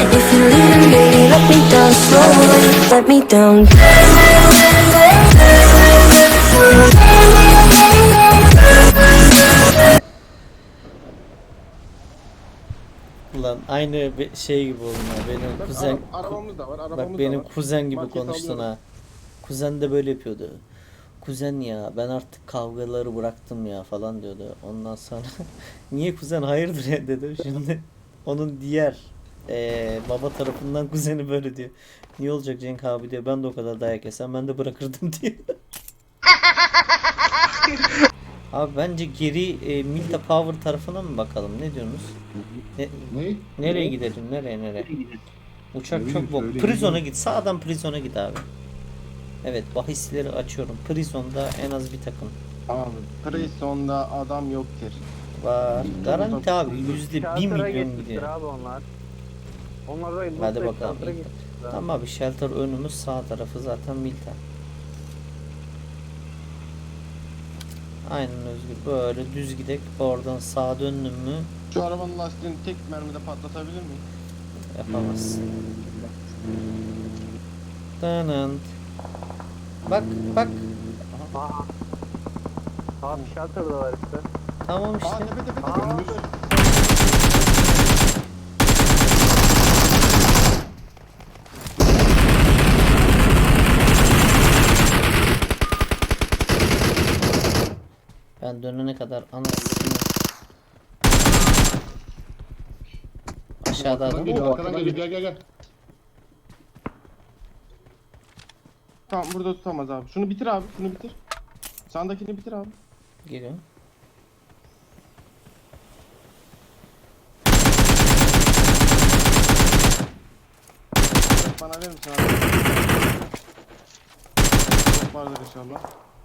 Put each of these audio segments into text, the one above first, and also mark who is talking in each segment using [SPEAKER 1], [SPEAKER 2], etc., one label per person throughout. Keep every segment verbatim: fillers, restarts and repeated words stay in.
[SPEAKER 1] If you're leaving, baby, let me down slowly. Let me down.
[SPEAKER 2] Ulan aynı be- şey gibi oldun ha. Benim
[SPEAKER 3] Bak,
[SPEAKER 2] kuzen
[SPEAKER 3] ara- arabamız da var, arabamız
[SPEAKER 2] bak
[SPEAKER 3] da
[SPEAKER 2] benim
[SPEAKER 3] var.
[SPEAKER 2] kuzen gibi
[SPEAKER 3] Markete
[SPEAKER 2] konuştun
[SPEAKER 3] alıyorum.
[SPEAKER 2] ha. Kuzen de böyle yapıyordu. Kuzen ya ben artık kavgaları bıraktım ya falan diyordu. Ondan sonra niye kuzen hayırdır ya dedim. Şimdi onun diğer eee, baba tarafından kuzeni böyle diyor. Niye olacak Cenk abi diyor. Ben de o kadar dayak yesem ben de bırakırdım diyor. Abi bence geri e, Milta Power tarafına mı bakalım? Ne diyorsunuz? Ne,
[SPEAKER 4] Ne?
[SPEAKER 2] nereye gidelim? Nereye nereye? Uçak
[SPEAKER 4] Ne
[SPEAKER 2] çok
[SPEAKER 4] bileyim,
[SPEAKER 2] bok.
[SPEAKER 4] söyleyin.
[SPEAKER 2] Prizon'a git. Sağdan Prizon'a git abi. Evet, bahisleri açıyorum. Prizon'da en az bir takım
[SPEAKER 3] Abi, Prison'da adam yoktur.
[SPEAKER 2] var. Garanti abi yüzde bir
[SPEAKER 5] Shelter'a
[SPEAKER 2] milyon
[SPEAKER 5] geçmiştir
[SPEAKER 2] gidiyor.
[SPEAKER 5] abi onlar. Onlar da
[SPEAKER 2] Hadi
[SPEAKER 5] Loot'ta
[SPEAKER 2] bakalım.
[SPEAKER 5] Shelter'a geçmiştir abi.
[SPEAKER 2] Tamam abi shelter önümüz sağ tarafı zaten Milta. Aynen Özgür. Böyle düz gidek. Oradan sağa döndün mü
[SPEAKER 3] Şu arabanın lastiğini tek mermide patlatabilir miyim?
[SPEAKER 2] yapamazsın. Dınınt. Bak bak.
[SPEAKER 5] Aha. Abi Shelter'da var işte.
[SPEAKER 2] Tamam
[SPEAKER 3] Aa,
[SPEAKER 2] işte.
[SPEAKER 3] tepe tepe tepe.
[SPEAKER 5] Aa,
[SPEAKER 4] Önümüz.
[SPEAKER 2] Ben dönene kadar anasını. Aşağıda
[SPEAKER 4] Arkadan
[SPEAKER 2] adam.
[SPEAKER 4] geliyor,
[SPEAKER 3] Oo,
[SPEAKER 4] arkadan
[SPEAKER 3] arkadan
[SPEAKER 4] geliyor. Gel gel gel.
[SPEAKER 3] Tamam, burada tutamaz abi. Şunu bitir abi, şunu bitir. Sağındakini bitir abi.
[SPEAKER 2] Geliyor.
[SPEAKER 3] Bana verir misin abi? Çok vardır inşallah.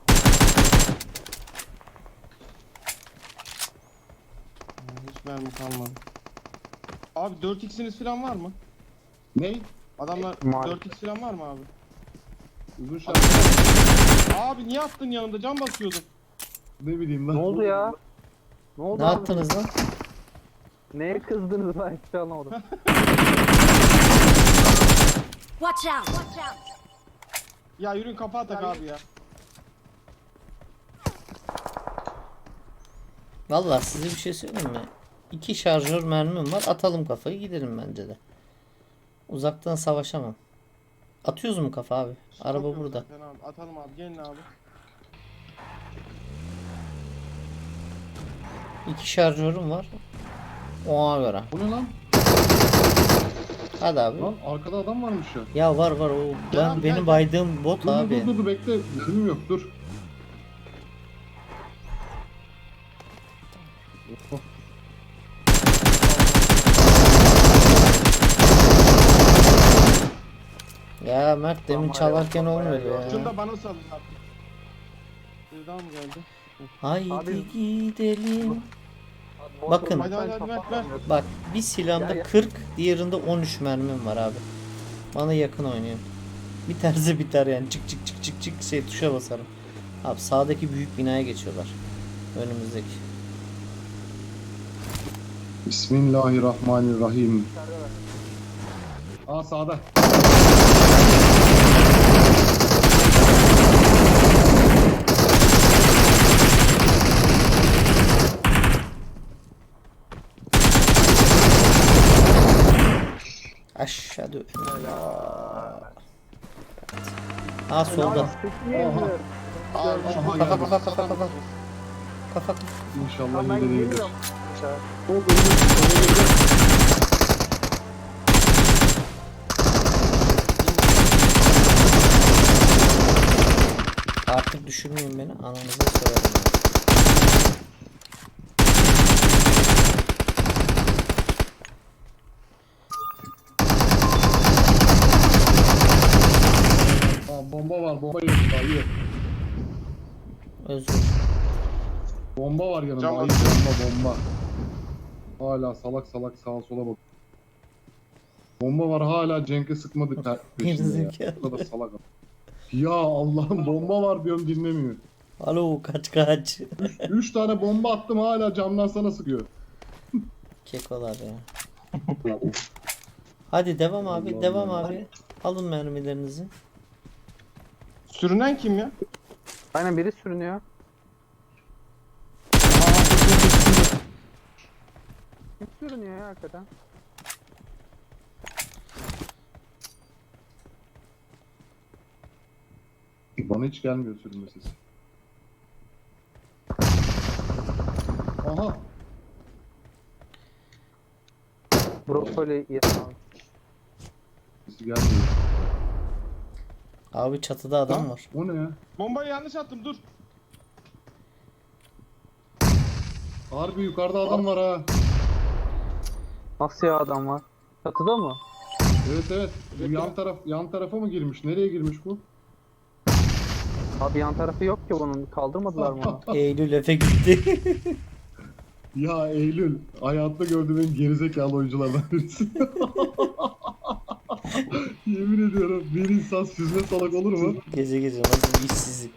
[SPEAKER 3] Hiç mermi kalmadı. Abi dört x'iniz falan var mı?
[SPEAKER 4] Ne?
[SPEAKER 3] Adamlar
[SPEAKER 5] Maalesef.
[SPEAKER 3] dört x falan var mı abi?
[SPEAKER 4] Uzun şarkı.
[SPEAKER 3] Abi niye attın yanımda? Can basıyordum.
[SPEAKER 4] Ne bileyim lan.
[SPEAKER 5] Ne oldu ya? Ne oldu
[SPEAKER 2] Ne
[SPEAKER 5] abi?
[SPEAKER 2] yaptınız lan?
[SPEAKER 5] Neye kızdınız ben hiç anlamadım.
[SPEAKER 1] Watch out! Watch out!
[SPEAKER 3] Ya yürüyün, kapağı tak abi ya.
[SPEAKER 2] Vallahi size bir şey söyleyeyim mi? İki şarjör mermim var. Atalım kafayı gidelim bence de. Uzaktan savaşamam. Atıyoruz mu kafa abi? Araba
[SPEAKER 3] Çok yok
[SPEAKER 2] burada.
[SPEAKER 3] zaten abi. Atalım abi, gelin abi.
[SPEAKER 2] İki şarjörüm var. Ona göre.
[SPEAKER 4] Bu ne lan?
[SPEAKER 2] Hadi abi.
[SPEAKER 4] Lan arkada adam varmış ya.
[SPEAKER 2] Ya var var o.
[SPEAKER 3] Gel
[SPEAKER 2] Ben
[SPEAKER 3] abi,
[SPEAKER 2] benim
[SPEAKER 3] gel,
[SPEAKER 2] baydığım bot
[SPEAKER 4] Dur dur
[SPEAKER 2] abi.
[SPEAKER 4] dur dur dur bekle. Bizim yok dur. Oh,
[SPEAKER 2] Ya Mert demin
[SPEAKER 5] Tamam,
[SPEAKER 2] çalarken
[SPEAKER 5] eyvallah,
[SPEAKER 2] olmuyordu
[SPEAKER 5] eyvallah.
[SPEAKER 3] Şunu
[SPEAKER 2] ya.
[SPEAKER 3] da bana salın abi. Bir daha mı geldi?
[SPEAKER 2] Haydi
[SPEAKER 5] Abi-
[SPEAKER 2] gidelim.
[SPEAKER 5] Bot
[SPEAKER 2] Bakın.
[SPEAKER 5] olmaktan
[SPEAKER 3] Hadi, hadi, ver, ver.
[SPEAKER 5] kapatamıyorum.
[SPEAKER 2] Bak bir silahımda
[SPEAKER 5] Gel, gel.
[SPEAKER 2] kırk, diğerinde on üç mermim var abi. Bana yakın oynuyor. Bir terse biter yani. Çık çık çık çık çık şey tuşa basarım. Abi sağdaki büyük binaya geçiyorlar. Önümüzdeki.
[SPEAKER 4] Bismillahirrahmanirrahim. Aa sağda.
[SPEAKER 2] Aşağıda. Ha solda.
[SPEAKER 5] Peki,
[SPEAKER 4] Oha.
[SPEAKER 5] yürü.
[SPEAKER 3] Abi
[SPEAKER 4] Aha,
[SPEAKER 3] şu
[SPEAKER 4] geldi.
[SPEAKER 3] kafa kafa
[SPEAKER 2] Kafa, kafa. Kafa.
[SPEAKER 4] İnşallah
[SPEAKER 5] Tamam, ben
[SPEAKER 4] yine değildir.
[SPEAKER 5] geliyorum. Aşağı.
[SPEAKER 4] O önümüz. Oraya geleceğim.
[SPEAKER 2] Artık düşürmeyin beni. Ananıza sorarım.
[SPEAKER 4] Aa bomba var bomba yedim daha iyi.
[SPEAKER 2] Özür.
[SPEAKER 4] Bomba var yanımda.
[SPEAKER 3] Cam
[SPEAKER 4] Ayı
[SPEAKER 3] atıyor.
[SPEAKER 4] bomba bomba. Hala salak salak sağa sola bak. Bomba var hala Cenk'e sıkmadık ta- peşinde ya.
[SPEAKER 2] Gerizekalı.
[SPEAKER 4] Bu kadar salak. Ya Allah'ım bomba var diyorum dinlemiyor.
[SPEAKER 2] Alo kaç kaç.
[SPEAKER 4] Üç tane bomba attım hala camdan sana sıkıyor.
[SPEAKER 2] Kekolar ya. Hadi devam abi,
[SPEAKER 4] Allah
[SPEAKER 2] devam
[SPEAKER 4] Allah.
[SPEAKER 2] abi. Alın mermilerinizi.
[SPEAKER 3] Sürünen kim ya?
[SPEAKER 5] Aynen biri sürünüyor.
[SPEAKER 3] Aa, dur, dur, dur, dur.
[SPEAKER 5] Kim sürünüyor ya hakikaten?
[SPEAKER 4] Bana hiç gelmiyor sürünme sesi. Aha.
[SPEAKER 5] Brokoli yedim abi.
[SPEAKER 4] Sesi gelmiyor.
[SPEAKER 2] Abi çatıda adam
[SPEAKER 3] Lan.
[SPEAKER 2] var.
[SPEAKER 4] O ne ya?
[SPEAKER 3] Bombayı yanlış attım dur.
[SPEAKER 4] Harbi yukarıda adam var ha.
[SPEAKER 5] Nasıl ya adam var? Çatıda mı?
[SPEAKER 4] Evet evet. Bu yan taraf yan tarafa mı girmiş? Nereye girmiş bu?
[SPEAKER 5] Abi yan tarafı yok ki bunun. Kaldırmadılar mı onu?
[SPEAKER 2] Eylül Efe gitti.
[SPEAKER 4] Ya Eylül, hayatta gördüğüm en gerizekalı oyunculardan birisi. Yemin ediyorum bir insan süzme salak olur mu?
[SPEAKER 2] Gece gece nasıl bir işsizlik.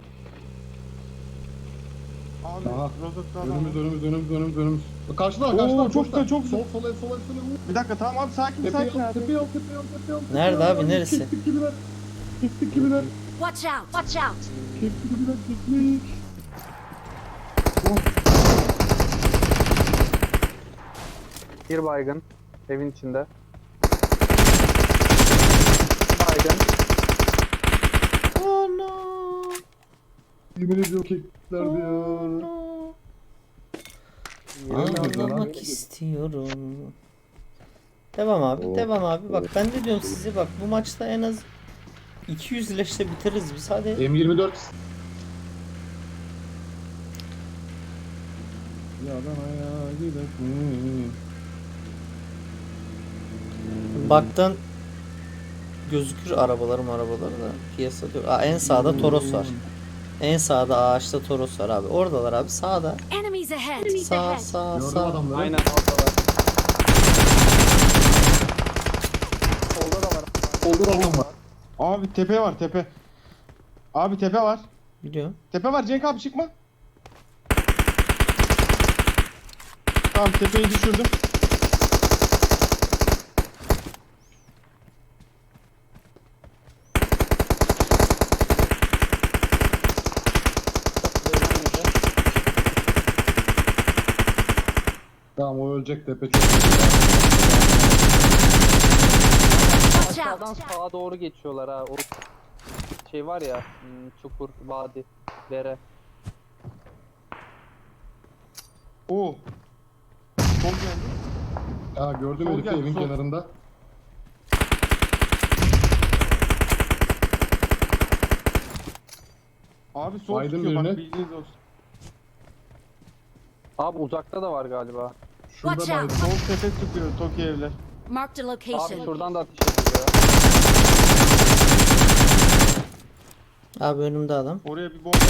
[SPEAKER 3] Abi
[SPEAKER 4] Aha.
[SPEAKER 3] rozokta adam
[SPEAKER 4] Önümüz
[SPEAKER 3] var.
[SPEAKER 4] önümüz önümüz önümüz önümüz. Karşıda
[SPEAKER 3] Oo,
[SPEAKER 4] karşıda.
[SPEAKER 3] çok güzel, çok güzel.
[SPEAKER 4] Sol sol el sol el sol el.
[SPEAKER 3] Bir dakika tamam abi sakin
[SPEAKER 4] Tepe
[SPEAKER 3] sakin
[SPEAKER 4] yol
[SPEAKER 3] abi.
[SPEAKER 4] tepe yol tepe yol tepe yol. tepe
[SPEAKER 2] Nerede
[SPEAKER 4] yol.
[SPEAKER 2] abi, neresi?
[SPEAKER 4] Keklik gibiler. Keklik gibiler.
[SPEAKER 1] Watch out! Watch out!
[SPEAKER 4] Keklik gibiler keklik.
[SPEAKER 5] Bir baygın. Evin içinde. Baygın.
[SPEAKER 2] Oh no.
[SPEAKER 4] Yemin ediyorum kekliklerdi ya.
[SPEAKER 2] No.
[SPEAKER 4] Nerede lan?
[SPEAKER 2] Ağlamak istiyorum. Devam abi,
[SPEAKER 4] Oh.
[SPEAKER 2] devam abi. Bak ben de diyorum size, bak bu maçta en az iki yüz leşte bitiririz biz, hadi.
[SPEAKER 4] M yirmi dört. Yadanaya gidelim.
[SPEAKER 2] Baktan gözükür arabalarım arabaları da piyasada yok. Aa, en sağda Toros var. En sağda ağaçta Toros var abi. Oradalar abi, sağda.
[SPEAKER 1] Enemies ahead!
[SPEAKER 2] Sağ sağ
[SPEAKER 4] Gördüm
[SPEAKER 2] sağ.
[SPEAKER 4] adamları.
[SPEAKER 5] Aynen oradalar. Solda da var.
[SPEAKER 4] Solda da adam var.
[SPEAKER 3] Abi tepe var tepe. Abi tepe var.
[SPEAKER 2] Biliyorum.
[SPEAKER 3] Tepe var Cenk abi çıkma. Tamam tepeyi düşürdüm.
[SPEAKER 4] Tamam o ölecek tepe çok.
[SPEAKER 1] Watch
[SPEAKER 5] Aşağıdan
[SPEAKER 1] out!
[SPEAKER 5] sağa doğru geçiyorlar ha. O şey var ya, hmm, çukur, vadi, dere.
[SPEAKER 3] Oo. Sol geldi.
[SPEAKER 4] Ya gördüm
[SPEAKER 3] Sol
[SPEAKER 4] herifi
[SPEAKER 3] gel,
[SPEAKER 4] evin
[SPEAKER 3] sol.
[SPEAKER 4] kenarında.
[SPEAKER 3] Abi sol
[SPEAKER 4] Baydın
[SPEAKER 3] tutuyor bak
[SPEAKER 4] birine.
[SPEAKER 3] bilginiz olsun.
[SPEAKER 5] Abi uzakta da var galiba.
[SPEAKER 4] Şurada
[SPEAKER 1] Watch out.
[SPEAKER 4] baydım.
[SPEAKER 3] Sol tepe tutuyor Toki evler.
[SPEAKER 1] Marked a
[SPEAKER 5] Abi
[SPEAKER 1] location.
[SPEAKER 5] şuradan da ateş ediyor.
[SPEAKER 2] Abi önümde adam.
[SPEAKER 3] Oraya bir bomba.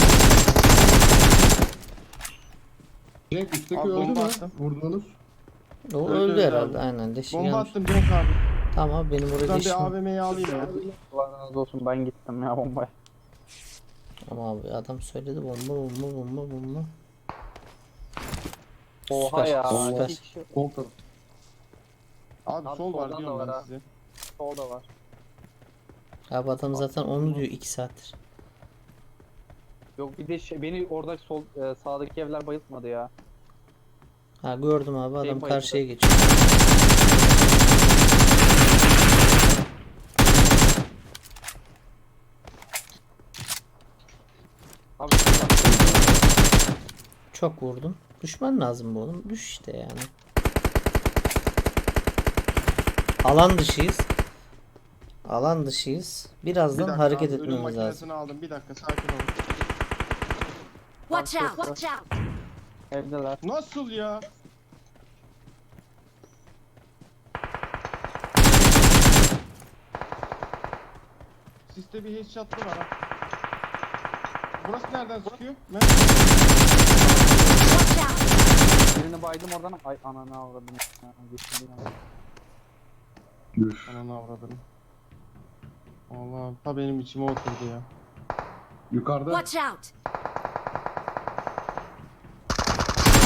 [SPEAKER 4] Cenk üstteki
[SPEAKER 3] Abi
[SPEAKER 4] öldü
[SPEAKER 3] bomba
[SPEAKER 4] mü?
[SPEAKER 3] attım.
[SPEAKER 4] Vurdunuz.
[SPEAKER 2] O
[SPEAKER 3] Öldü,
[SPEAKER 2] öldü
[SPEAKER 3] öldü
[SPEAKER 2] herhalde,
[SPEAKER 3] abi.
[SPEAKER 2] aynen leşi
[SPEAKER 3] Bomba
[SPEAKER 2] gelmiş.
[SPEAKER 3] attım Cenk abi.
[SPEAKER 2] Tamam abi, benim oraya
[SPEAKER 3] Buradan
[SPEAKER 2] leşim.
[SPEAKER 3] bir A V M'yi alayım ya.
[SPEAKER 5] Allah razı olsun, ben gittim ya bombaya.
[SPEAKER 2] Ama abi adam söyledi, bomba bomba bomba bomba.
[SPEAKER 5] Oha
[SPEAKER 2] Süper,
[SPEAKER 5] ya.
[SPEAKER 2] süper.
[SPEAKER 5] iki kişi
[SPEAKER 4] Sol taraf.
[SPEAKER 3] Abi,
[SPEAKER 5] Abi
[SPEAKER 3] sol var
[SPEAKER 5] soldan
[SPEAKER 3] diyorum
[SPEAKER 5] da var
[SPEAKER 3] ben
[SPEAKER 5] ha.
[SPEAKER 3] size.
[SPEAKER 5] solda var.
[SPEAKER 2] Abi adam zaten onu diyor iki saattir.
[SPEAKER 5] Yok bir de şey, beni orada sol e, sağdaki evler bayıltmadı ya.
[SPEAKER 2] Ha gördüm abi, adam
[SPEAKER 5] Şey bayıldı.
[SPEAKER 2] karşıya geçiyor.
[SPEAKER 5] Abi şurada.
[SPEAKER 2] Çok vurdum. Düşman lazım bu oğlum. Düş işte yani. Alan dışıyız. Alan dışıyız.
[SPEAKER 3] Bir
[SPEAKER 2] Birazdan
[SPEAKER 3] dakika
[SPEAKER 2] hareket
[SPEAKER 3] abi, ölüm
[SPEAKER 2] etmemiz lazım.
[SPEAKER 3] makinesini aldım. Bir dakika sakin olun.
[SPEAKER 1] Watch out! Watch out!
[SPEAKER 5] Evdeler.
[SPEAKER 3] Nasıl ya? Siste bir headshot'lı var ha. Burası nereden sıkıyor? Ben...
[SPEAKER 1] Watch out!
[SPEAKER 5] Birini baydım oradan. Ay ananı avradım. Ya, geçtim ya.
[SPEAKER 4] Üf.
[SPEAKER 3] Ananı avradım. Allah ta benim içime oturdu ya.
[SPEAKER 4] Yukarıda.
[SPEAKER 1] Watch out!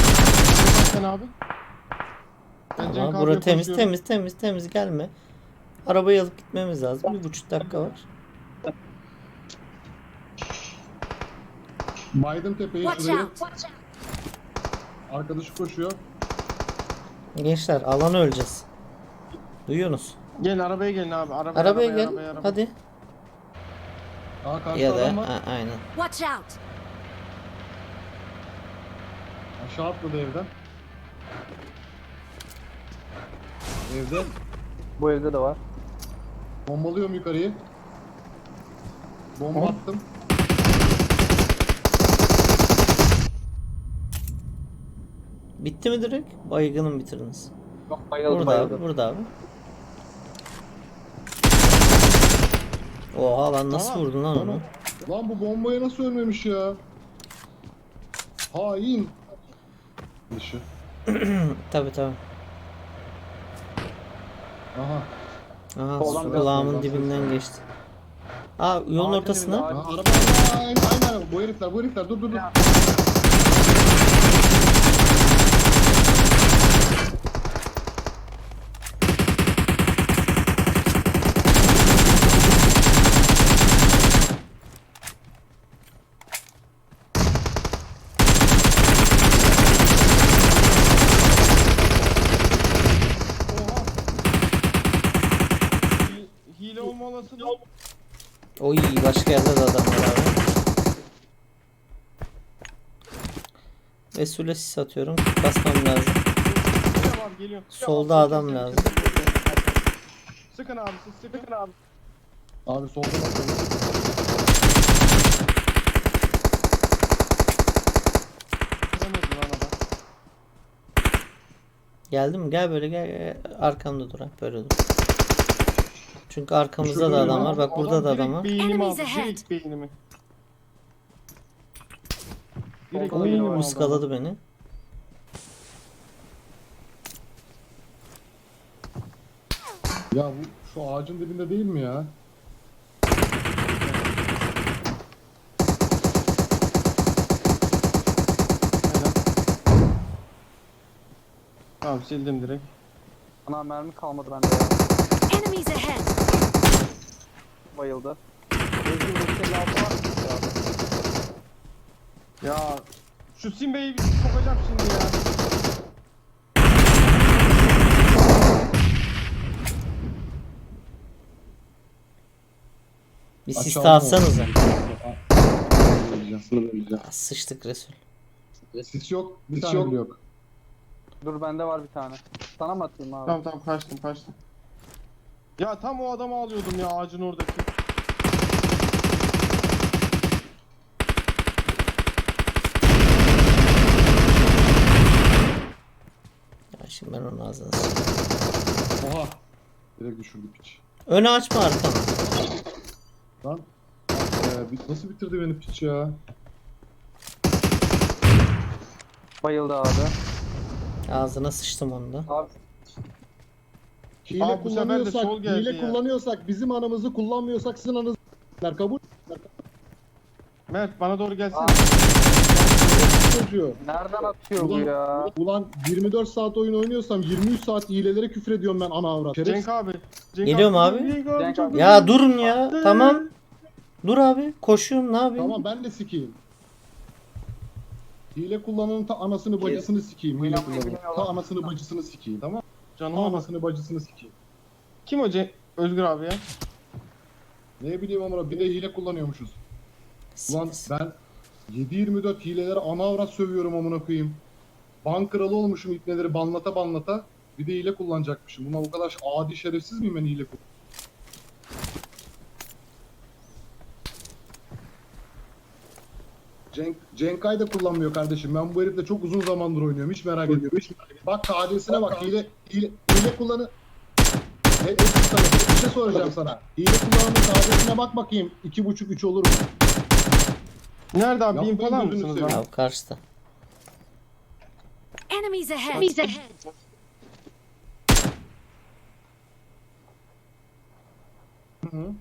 [SPEAKER 3] Sen abi. Ben Cenk
[SPEAKER 2] Ama
[SPEAKER 3] abiye
[SPEAKER 2] bura temiz
[SPEAKER 3] koşuyorum.
[SPEAKER 2] temiz temiz temiz gelme. Arabayı alıp gitmemiz lazım. Bir buçuk dakika var.
[SPEAKER 4] Baydım tepeyi
[SPEAKER 1] Watch
[SPEAKER 4] şurayı.
[SPEAKER 1] out!
[SPEAKER 4] Arkadaşı koşuyor.
[SPEAKER 2] Gençler alana öleceğiz. Duyuyorsunuz.
[SPEAKER 3] Gelin arabaya gelin abi. Arabaya,
[SPEAKER 2] Arabaya gel.
[SPEAKER 3] arabaya, arabaya.
[SPEAKER 2] Hadi.
[SPEAKER 4] Aa karşıda
[SPEAKER 2] Ya da
[SPEAKER 4] adam var.
[SPEAKER 2] a- aynen.
[SPEAKER 1] Watch out!
[SPEAKER 4] Aşağı atladı evden. Evde.
[SPEAKER 5] Bu evde de var.
[SPEAKER 4] Bombalıyorum yukarıyı. Bomba
[SPEAKER 3] Hop.
[SPEAKER 4] attım.
[SPEAKER 2] Bitti mi direkt? Baygını mı bitirdiniz?
[SPEAKER 5] Yok bayıldı
[SPEAKER 2] Burada
[SPEAKER 5] bayıldı.
[SPEAKER 2] abi, burada abi. Oha lan nasıl
[SPEAKER 3] Tamam,
[SPEAKER 2] vurdun lan
[SPEAKER 4] tamam.
[SPEAKER 2] onu?
[SPEAKER 4] Lan bu bombaya nasıl ölmemiş ya? Hain. Dışı.
[SPEAKER 2] Tabi tabi.
[SPEAKER 4] Aha.
[SPEAKER 2] Aha
[SPEAKER 5] Soldan
[SPEAKER 2] kulağımın
[SPEAKER 4] biraz
[SPEAKER 2] dibinden
[SPEAKER 4] soldan.
[SPEAKER 2] geçti. Aa yolun
[SPEAKER 5] Ağacın
[SPEAKER 2] ortasına.
[SPEAKER 5] dibinde,
[SPEAKER 4] Aa, araba araba aynen aynen bu herifler bu herifler dur dur dur.
[SPEAKER 3] Oha. Hi- Hile olma olasılığı.
[SPEAKER 2] Oy başka yerde de adam var abi. Resul'e sis atıyorum. Basmam lazım.
[SPEAKER 3] Geliyor abi geliyor.
[SPEAKER 2] Solda adam lazım.
[SPEAKER 3] Sıkın abi siz sıkın abi.
[SPEAKER 4] Abi soldan atıyorum.
[SPEAKER 3] Kıramadı lan adam.
[SPEAKER 2] Geldim mi? Gel böyle gel, gel. Arkamda dur ha. Böyle dur. Çünkü arkamızda
[SPEAKER 4] Şurada
[SPEAKER 2] da
[SPEAKER 4] bir
[SPEAKER 2] adam
[SPEAKER 4] adam-
[SPEAKER 2] var. Bak burada da adam var.
[SPEAKER 3] Direkt beynimi
[SPEAKER 1] Enemies
[SPEAKER 3] aldı.
[SPEAKER 1] ahead.
[SPEAKER 3] Direkt beynimi. Direkt
[SPEAKER 5] Solda
[SPEAKER 3] beynimi
[SPEAKER 5] biri var.
[SPEAKER 3] aldı.
[SPEAKER 2] Iskaladı beni.
[SPEAKER 4] Ya bu şu ağacın dibinde değil mi ya?
[SPEAKER 3] Helal. Tamam sildim direkt.
[SPEAKER 5] Ana mermi kalmadı bende ya.
[SPEAKER 1] Enemies ahead!
[SPEAKER 5] Bayıldı. Özgür beş elli altı var mı ya?
[SPEAKER 3] Ya şu Simbe'yi bir sokacağım şimdi ya.
[SPEAKER 2] Bir sis
[SPEAKER 4] Aşağıda
[SPEAKER 2] de atsanıza.
[SPEAKER 4] Öleceğim, sınır öleceğim.
[SPEAKER 2] Aa, sıçtık Resul.
[SPEAKER 4] Sis yok, bir
[SPEAKER 3] Sis
[SPEAKER 4] tane
[SPEAKER 3] yok.
[SPEAKER 4] bile yok.
[SPEAKER 5] Dur bende var bir tane. Sana mı atayım abi?
[SPEAKER 3] Tamam tamam kaçtım kaçtım. Ya tam o adamı alıyordum ya ağacın oradaki.
[SPEAKER 2] Ya şimdi ben onun ağzına sıçayım.
[SPEAKER 4] Oha. Direkt düşürdük piç.
[SPEAKER 2] Önü açma arkanı.
[SPEAKER 4] Lan. Ee, bi- nasıl bitirdi beni piç ya?
[SPEAKER 5] Bayıldı abi.
[SPEAKER 2] Ağzına sıçtım onu da.
[SPEAKER 5] Abi
[SPEAKER 4] Hile
[SPEAKER 3] Abi bu sefer de
[SPEAKER 4] kullanıyorsak,
[SPEAKER 3] sol geldi
[SPEAKER 4] hile
[SPEAKER 3] ya.
[SPEAKER 4] kullanıyorsak, bizim anamızı kullanmıyorsak sizin anınızı kabul.
[SPEAKER 3] Mert bana doğru gelsene.
[SPEAKER 5] Abi.
[SPEAKER 4] Çocuğu.
[SPEAKER 5] nereden atıyor bu
[SPEAKER 4] Ulan,
[SPEAKER 5] ya?
[SPEAKER 4] ulan yirmi dört saat oyun oynuyorsam yirmi üç saat hilelere küfür ediyorum ben ana avrat.
[SPEAKER 3] Cenk
[SPEAKER 4] Şerefsiz.
[SPEAKER 3] abi. Cenk
[SPEAKER 2] Geliyorum abi.
[SPEAKER 3] Cenk abi.
[SPEAKER 5] Cenk
[SPEAKER 3] çok
[SPEAKER 5] abi.
[SPEAKER 2] Ya
[SPEAKER 3] güzel.
[SPEAKER 2] durun ya. Tamam. Dur abi. Koşuyorum ne yapayım?
[SPEAKER 4] Tamam ben de sikeyim. Hile kullananın ta anasını bacısını sikeyim. Hile
[SPEAKER 5] Oynamayı
[SPEAKER 4] kullananın.
[SPEAKER 5] bilmiyorlar.
[SPEAKER 4] Ta anasını bacısını sikeyim. Tamam.
[SPEAKER 3] Canım
[SPEAKER 4] Ta
[SPEAKER 3] ama.
[SPEAKER 4] anasını bacısını sikeyim.
[SPEAKER 3] Kim o Cenk? Özgür abi ya.
[SPEAKER 4] Ne bileyim ama bir de hile kullanıyormuşuz. Ulan
[SPEAKER 2] Sis.
[SPEAKER 4] ben yedi yirmi dört hilelere ana avrat sövüyorum amına koyayım. Ban kralı olmuşum ipneleri banlata banlata. Bir de hile kullanacakmışım. Buna bu kadar adi şerefsiz miyim ben hile kullan? Cenk, Cenkay da kullanmıyor kardeşim. Ben bu herifle çok uzun zamandır oynuyorum. Hiç merak ediyorum. Hiç merak ediyorum. Bak K D'sine bak. Hile, hile, hile kullanı... E, e, sana bir şey soracağım sana. Hile kullananın K D'sine bak bakayım. iki buçuk üç olur mu?
[SPEAKER 3] Nerede abi?
[SPEAKER 4] Yapmayın
[SPEAKER 3] Bin falan
[SPEAKER 4] gözünü
[SPEAKER 3] mısınız
[SPEAKER 4] seveyim.
[SPEAKER 3] abi?
[SPEAKER 2] Abi karşıda.
[SPEAKER 1] Enemies ahead! Enemies ahead!
[SPEAKER 4] Hı hı.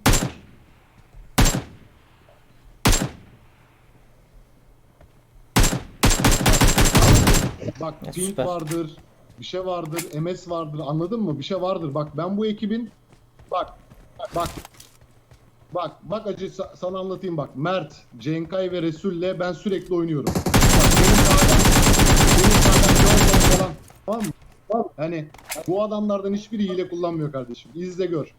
[SPEAKER 4] Bak
[SPEAKER 2] Ya
[SPEAKER 4] ping
[SPEAKER 2] süper.
[SPEAKER 4] vardır, bir şey vardır, M S vardır anladın mı? Bir şey vardır. Bak ben bu ekibin Bak. Bak. Bak. Bak acı sa- sana anlatayım bak. Mert, Cenkay ve Resul'le ben sürekli oynuyorum. Bak benim sağdan, benim sağdan Johnson falan. Tamam mı? Tamam. Hani bu adamlardan hiçbiri hile kullanmıyor kardeşim. İzle gör.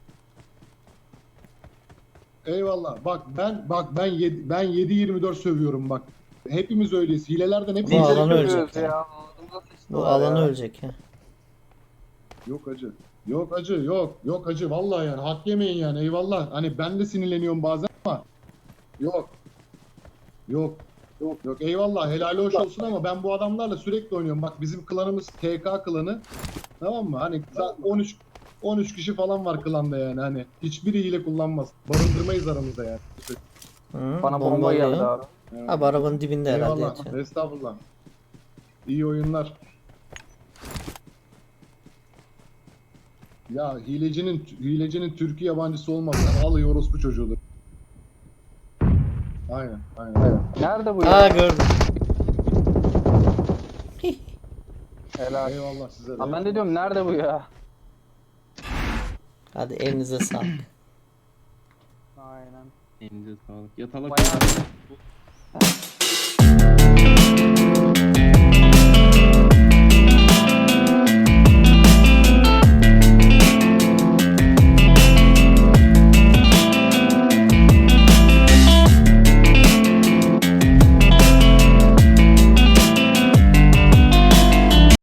[SPEAKER 4] Eyvallah. Bak ben bak ben yedi, ben yedi yirmi dört sövüyorum bak. Hepimiz öyleyiz. Hilelerden hepimiz
[SPEAKER 2] Bu alanı
[SPEAKER 5] Görüyoruz
[SPEAKER 2] ölecek
[SPEAKER 5] ya.
[SPEAKER 2] ya.
[SPEAKER 5] Ağzımıza
[SPEAKER 2] Bu
[SPEAKER 5] sıçtılar
[SPEAKER 2] alanı
[SPEAKER 5] ya.
[SPEAKER 2] ölecek ya.
[SPEAKER 4] Yok acı. Yok acı yok. Yok acı vallahi yani hak yemeyin yani eyvallah. Hani ben de sinirleniyorum bazen ama yok. Yok. Yok yok eyvallah helal hoş olsun ama ben bu adamlarla sürekli oynuyorum. Bak bizim klanımız T K klanı. Tamam mı? Hani on üç on üç kişi falan var klanda yani hani hiçbiri hile kullanmaz. Barındırmayız aramızda yani.
[SPEAKER 2] Hı,
[SPEAKER 5] Bana bomba geldi
[SPEAKER 2] alıyor.
[SPEAKER 5] abi.
[SPEAKER 4] Evet.
[SPEAKER 2] Abi arabanın dibinde herhalde
[SPEAKER 4] Eyvallah.
[SPEAKER 2] yatıyor.
[SPEAKER 4] Estağfurullah. İyi oyunlar. Ya hilecinin hilecinin Türkiye yabancısı olmaz. Yani al orospu çocuğudur. Aynen, aynen. aynen.
[SPEAKER 5] Nerede bu ya?
[SPEAKER 2] Aa gördüm.
[SPEAKER 5] Helal.
[SPEAKER 4] Eyvallah size de.
[SPEAKER 5] Lan ben de diyorum nerede bu ya?
[SPEAKER 2] Hadi elinize sağlık.
[SPEAKER 5] Aynen.
[SPEAKER 3] Elinize sağlık. Yatalak.
[SPEAKER 5] Bayağı